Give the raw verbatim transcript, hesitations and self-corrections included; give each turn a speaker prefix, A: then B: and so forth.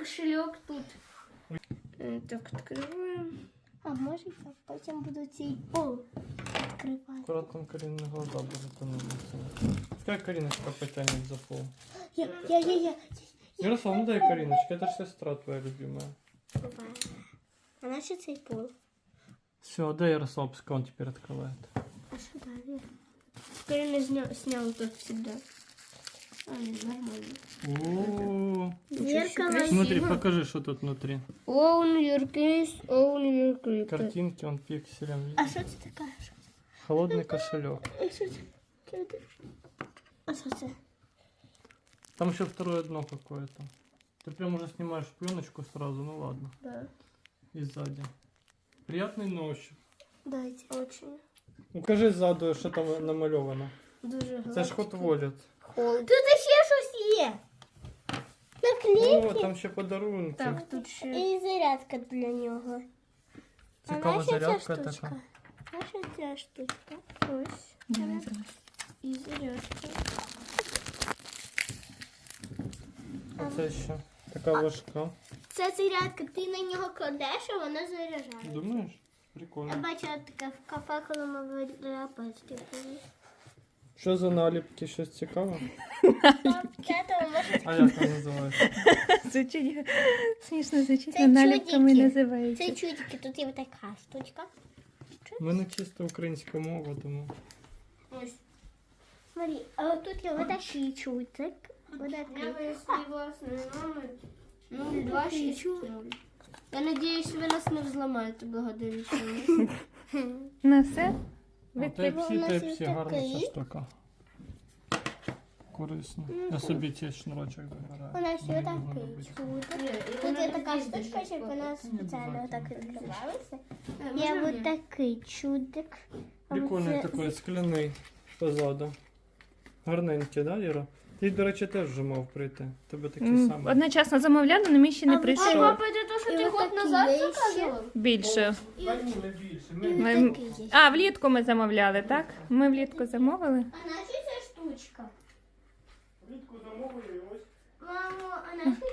A: кошелек тут. Так, відкриваємо.
B: А може я потім буду цей пол відкривати.
C: Аккуратно Карины глаза будут тонуться. Пускай Кариночка потянет за пол.
B: Я, я, я, я.
C: Ярослав, ну дай Кариночке, это же сестра твоя любимая.
B: Буває. А наче цей пол?
C: Все, дай Ярослав, пускай он теперь открывает.
B: А що далі?
A: Карина сня... снял тут всегда. А, нет, нормально.
C: О,
B: Зеркало.
C: смотри, покажи, что тут внутри.
A: Own your case, own your crypto.
C: Картинки, он пикселем.
B: А що це таке? Що це?
C: Холодный кошелек.
B: А що це? Що це? А що це?
C: Там еще второе дно какое-то. Ты прям уже снимаешь пленочку сразу, ну ладно.
A: Да.
C: И сзади. Приятный на ощупь.
B: Дайте.
A: Очень.
C: Укажи ззаду, що там намальовано.
A: Дуже
C: Це ж Hot Wallet.
A: Холод.
B: Тут ще щось є. Наклейки.
C: О, там ще подарунки.
A: Так, тут ще.
B: І зарядка для нього.
C: Цікава
B: наша ця
C: зарядка
B: штучка?
C: така.
B: Наша ця штучка.
A: Ось. І зарядка.
C: А це ще така важка.
B: Це зарядка, ти на нього кладеш, а вона заряджає.
C: Думаєш?
B: Я
C: Прикольно.
B: бачила таке в кафе, коли ми вирапачки.
C: Що за наліпки? Щось цікаве?
B: Це то може
C: А як це називається?
D: Звучить смішно, звучить,
B: Це
D: наліпками
B: чудики.
D: називається.
B: це чудики, тут є така штучка.
C: У мене чисто українська мова, тому.
B: Ось. Смотри, а от тут є отакий чудик.
A: Я
B: Отакий.
A: вияснив власний номер. нуль два шість нуль. Я надіюсь, ви нас не взламаєте благодаря цьому.
D: На все?
C: Тайп-сі,
B: у нас є
C: тайп-сі, гарна
B: такий.
C: ця штука. Корисно. Я собі цей шнурочок забираю.
B: У нас є
C: Мені
B: отакий
C: знадобиться.
B: чудик.
A: Тут
B: Тут є така штучка, щоб вона спеціально так відкривалася. Є
A: Є
B: от такий чудик. А
C: Прикольний
B: оце-
C: такий скляний позаду. Гарненький, да, Іра? Ти, до речі, теж вже мав прийти. Тебе такий
D: М,
C: самий.
D: Одночасно замовляли, але мій ще не
B: А ви-
A: А
D: прийшов.
A: папа, це то, що
B: І
A: ти
B: от
A: год
B: такі
A: назад
B: є ще.
A: заказував?
D: Більше.
C: Та ні, не більше.
B: І
C: Ми...
D: Ми-
B: от такий є.
D: А, влітку ми замовляли, так? Ми влітку замовили.
B: А наша ця штучка?
C: Влітку замовили ось.
B: Мамо, а наша